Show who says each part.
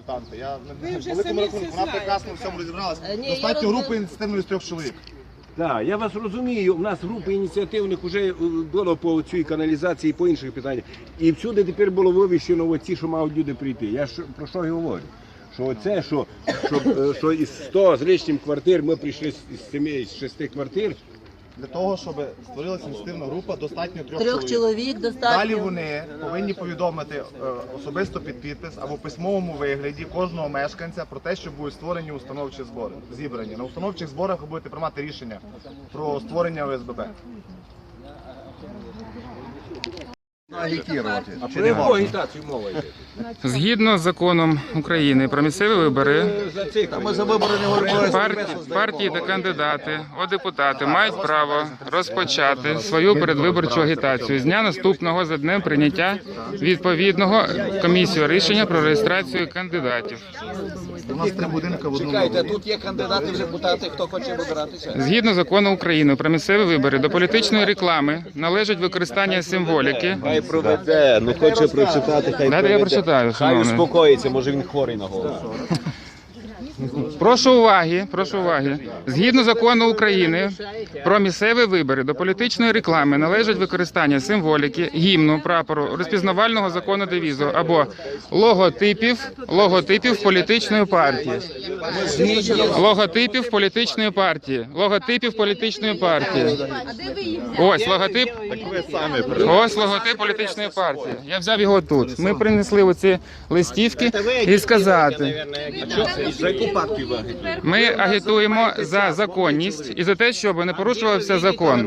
Speaker 1: консультанти. Я на великому рахунку, вона прекрасно в цьому розібралася. Достатньо групи ініціативної з 3 чоловік.
Speaker 2: Так, я вас розумію, у нас групи ініціативних вже було по цій каналізації, по інших питаннях. І всюди тепер було вивіщено оці, що мають люди прийти. Я ж про що і говорю? Що оце, що із 100 з лишнім квартир ми прийшли з 6 квартир.
Speaker 1: Для того, щоб створилася ініціативна група, достатньо 3
Speaker 3: Трьох чоловік достатньо.
Speaker 1: Далі вони повинні повідомити особисто під підпис або в письмовому вигляді кожного мешканця про те, що будуть створені установчі збори, зібрані. На установчих зборах ви будете приймати рішення про створення ОСББ.
Speaker 2: А про яку агітацію мова йде?
Speaker 4: Згідно з законом України про місцеві вибори, партії та кандидати у депутати мають право розпочати свою передвиборчу агітацію з дня наступного за днем прийняття відповідного комісією рішення про реєстрацію кандидатів.
Speaker 1: У нас 3 будинки в одному.
Speaker 5: Чекайте, тут є кандидати в депутати, хто хоче вибиратися?
Speaker 4: Згідно закону України про місцеві вибори, до політичної реклами належить використання символіки.
Speaker 2: Хай проведе, ну хоче прочитати, хай
Speaker 4: Дайте я прочитаю,
Speaker 2: Хай
Speaker 4: шановний.
Speaker 2: успокоїться, може він хворий на голову.
Speaker 4: Прошу уваги. Згідно закону України про місцеві вибори, до політичної реклами належить використання символіки, гімну, прапору, розпізнавального закону девізу або логотипів політичної партії. Логотипів політичної партії. Ось логотип. Ось логотип політичної партії. Я взяв його тут. Ми принесли оці листівки і сказати.
Speaker 2: За яку партію ви агітуєте?
Speaker 4: Ми агітуємо за законність і за те, щоб не порушувався закон.